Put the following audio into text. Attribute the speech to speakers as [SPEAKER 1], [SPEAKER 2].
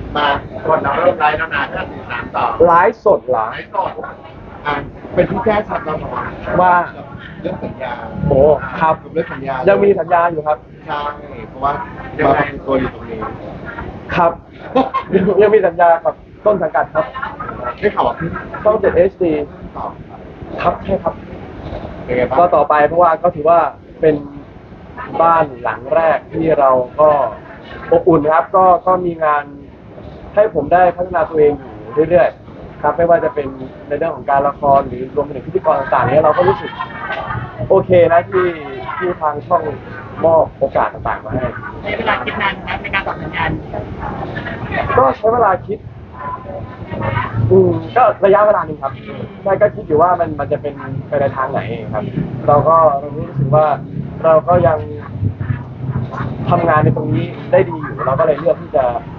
[SPEAKER 1] มาก่อนเราเริ่มไลฟ์แล้วนะถ้าติดตามต่อ
[SPEAKER 2] ไลฟ์สดเหรอ
[SPEAKER 1] ไลฟ์ก่อนอ่ะเป็นที่แจ้งชัดเราหน่อย
[SPEAKER 2] ว่า
[SPEAKER 1] เรื่องสัญญา
[SPEAKER 2] โอ้ครับ
[SPEAKER 1] เรื่องสัญญา
[SPEAKER 2] ยังมีสัญญาอยู่ครับ
[SPEAKER 1] ใช่เพราะว่ามาเป็นตัวอยู่ตรงนี้
[SPEAKER 2] ครับ ยังมีสัญญากับต้นสังกัดครับ
[SPEAKER 1] ได้ข่าวว่าพี่
[SPEAKER 2] ช่อง 7 HD
[SPEAKER 1] ตอบ
[SPEAKER 2] ครับใช่ครับ
[SPEAKER 1] เป็นไงบ้าง
[SPEAKER 2] ก็ต่อไปเพราะว่าก็ถือว่าเป็นบ้านหลังแรกที่เราก็อบอุ่นครับก็มีงานให้ผมได้พัฒนาตัวเองอยู่เรื่อยๆครับไม่ว่าจะเป็นในเรื่องของการละครหรือรวมไปถึงพิธีกรต่างๆเนี้ยเราก็รู้สึกโอเคนะที่ทางช่องมอบโอกาสต่างๆมาให้
[SPEAKER 3] ใช้เวลาคิดนานครับในการตอบสัญญาณ
[SPEAKER 2] ก็ใช้เวลาคิดก็ระยะเวลาหนึ่งครับใช่ก็คิดอยู่ว่ามันจะเป็นไปในทางไหนครับเรารู้สึกว่าเราก็ยังทำงานในตรงนี้ได้ดีอยู่เราก็เลยเลือกที่จะ